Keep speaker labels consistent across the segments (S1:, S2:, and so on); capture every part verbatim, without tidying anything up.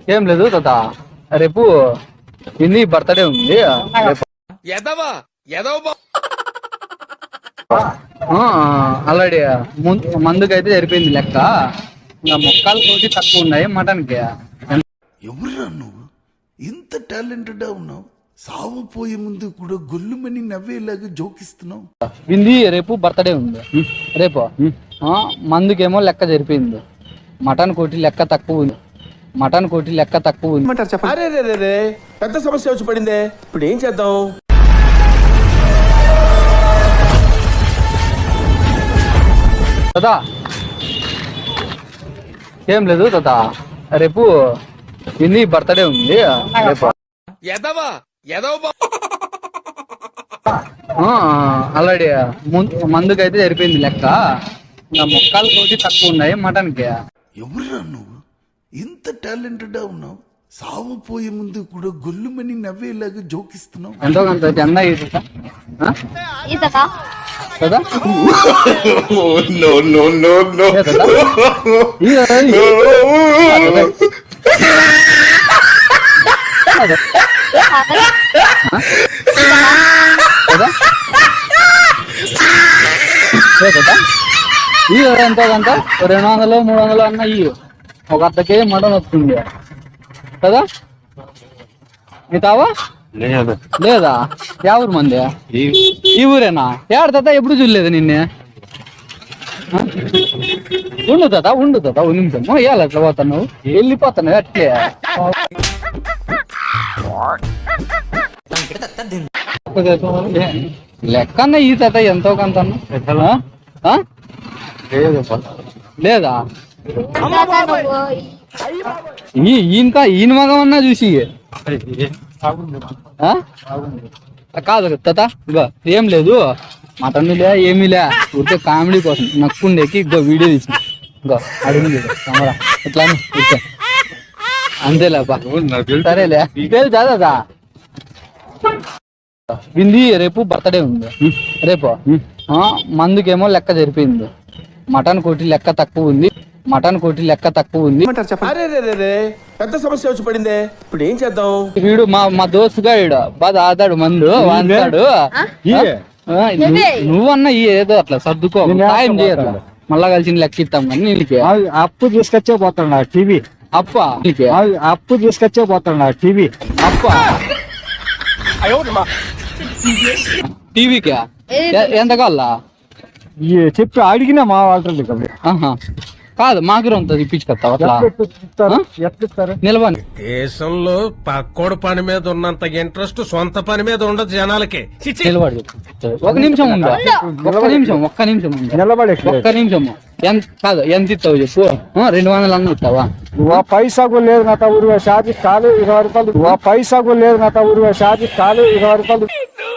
S1: ఏం లేదు తాత, రేపు ఇన్ని బర్త్డే ఉంది. ఆల్రెడీ మందుకైతే జరిపోయింది లెక్క. ఇంకా మొక్కలు కోటి తక్కువ ఉన్నాయి మటన్కి.
S2: ఎవరురా నువ్వు ఇంత టాలెంటెడ్ ఉన్నావు? సావు పోయే ముందు కూడా గొల్లుమని నవ్వేలాగా జోకిస్తున్నావు.
S1: వింది రేపు బర్త్డే ఉంది. రేపు మందుకేమో లెక్క జరిపోయింది. మటన్ కోటి లెక్క తక్కువ ఉంది. మటన్ కోటి లెక్క తక్కువ ఉంది.
S3: పెద్ద సమస్య వచ్చి పడిందే, ఇప్పుడు ఏం చేద్దాం?
S1: కదా ఏం లేదు తాత, రేపు ఇన్ని బర్త్డే ఉంది. రేపు ఆల్రెడీ మందుకైతే జరిపోయింది లెక్క. ఇంకా మొక్కలు కోటి తక్కువ ఉన్నాయి మటన్కి.
S2: ఎవరురా నువ్వు ఇంత టాలెంటెడ్ ఉన్నావు? సావు పోయే ముందు కూడా గొల్లుమని నవ్వేలాగా జోకిస్తున్నావు.
S1: ఎంతో కొంత జెండా కదా. ఈ ఎంతో కొంత రెండు వందలు మూడు వందలు అన్న ఇవి ఒక అర్ధ కేజీ మటన్ వస్తుంది కదా. మిగతావా లేదా? ఎవరు మంది ఈ ఊరేనా? ఏడు తాత ఎప్పుడు చూడలేదు నిన్నే. ఉండు తాత ఉండు తాత ఒక నిమిషం. ఇవ్వాలి అట్లా పోతున్నావు, వెళ్ళిపోతున్నావు అట్లే. లెక్కన్న ఈ తాత ఎంతో కొంత లేదా? ఇంకా ఈయన మగమన్నా చూసి కాదు తాత. ఇగో ఏం లేదు, మటన్ లే ఏమీ లే, ఊరికే కామెడీ కోసం నక్కుండేకి ఇగో వీడియో తీసిన. ఇంకో అడుగుంది కెమెరా ఇట్లా అంతేలేపా. సరేలే తెలుసా తాత. వింది రేపు బర్త్డే ఉంది. రేపు మందుకేమో లెక్క జరిపోయింది. మటన్ కోటి లెక్క తక్కువ ఉంది. మటన్ కోటి లెక్క తక్కువ ఉంది.
S3: పెద్ద సమస్య వచ్చి పడిందే, ఇప్పుడు ఏం చేద్దాం?
S1: వీడు మా మా దోస్తుగా వీడు బాగా ఆదాడు మందు వాడతాడు. నువ్వన్నా ఏదో అట్లా సర్దుకో, సాయం చేయరు. మళ్ళా కలిసి లెక్క ఇస్తాం కానీ నీళ్ళకి
S4: అప్పు తీసుకొచ్చే పోతాడు టీవీ.
S1: అప్ప
S4: అప్పు తీసుకొచ్చే పోతాడు టీవీ.
S1: అప్ప టీవీకి ఎంత కావాలా
S4: చెప్పి అడిగినా మా వాళ్ళు
S1: కాదు మాకు ఉంటుంది ఇప్పించుకొస్తావు అట్లా నిలబడి.
S5: దేశంలో పక్కోడు పని మీద ఉన్నంత ఇంట్రెస్ట్ సొంత పని మీద ఉండదు జనాలకి.
S1: నిలబడి ఒక నిమిషం ఉందా? ఒక్క నిమిషం ఒక్క నిమిషం ఉందా?
S4: నిలబడి
S1: ఒక్క నిమిషం. ఎంత కాదు ఎంత ఇస్తావు చెప్పు? రెండు వందలు అన్న ఇస్తావా?
S4: పైసా కూడా లేదు నా ఊరు షాది కాలు ఇరవై రూపాయలు. పైసా కూడా లేదు నా ఊరు షాది కాలు ఇరవై రూపాయలు.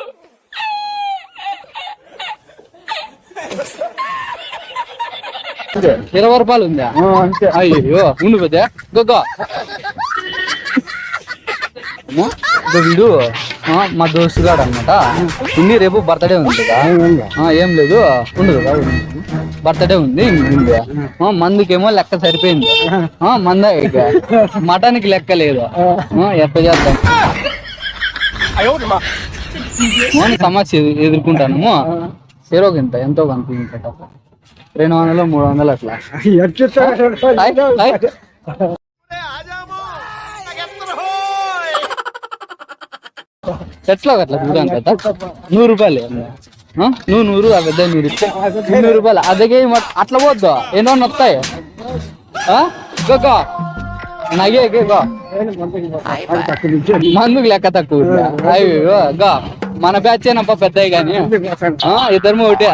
S1: ఇరవై రూపాయలు ఉందా?
S4: అంతే.
S1: అయ్యో ఉండు పెద్ద గొగ్గ వీడు మా దోస్తుగాడు అనమాట. ఇన్ని రేపు బర్త్డే ఉంది కదా. ఏం లేదు ఉండు కదా, బర్త్డే ఉంది. మందుకేమో లెక్క సరిపోయింది. మంద మటన్ కి లెక్క లేదు. ఎట్లా చేద్దాం సమస్య ఎదుర్కొంటాము. చెరోగింత ఎంతో కనిపించట రెండు వందలు మూడు వందలు అట్లా ఎట్లా అట్లా చూడండి కదా. నూరు రూపాయలు నువ్వు నూరు ఆ పెద్ద నూరు నూరు రూపాయలు అదగే అట్లా పోద్దు. ఎన్నో వస్తాయి నగే మందుకు లెక్క తక్కువ. అయ్యో గా మన బ్యాచ్ ఏనప్ప పెద్దవి కానీ ఇద్దరు ఒకటే.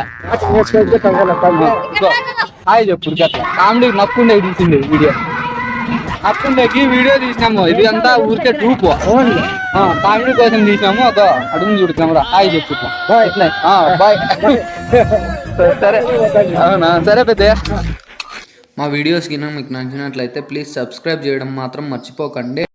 S1: హాయ్ చెప్పు అట్లా కామెడీ నక్కుండే తీసింది వీడియో. నక్కుండేకి వీడియో తీసినాము. ఇది అంతా ఊరికే ట్రూప్ కామెడీ కోసం తీసినాము. ఒక అడుగు చూడు కెమెరా. హాయ్ చెప్పు ఇట్లా బాయ్. సరే అవునా? సరే పెద్ద.
S6: మా వీడియోస్ కింద మీకు నచ్చినట్లయితే ప్లీజ్ సబ్స్క్రైబ్ చేయడం మాత్రం మర్చిపోకండి.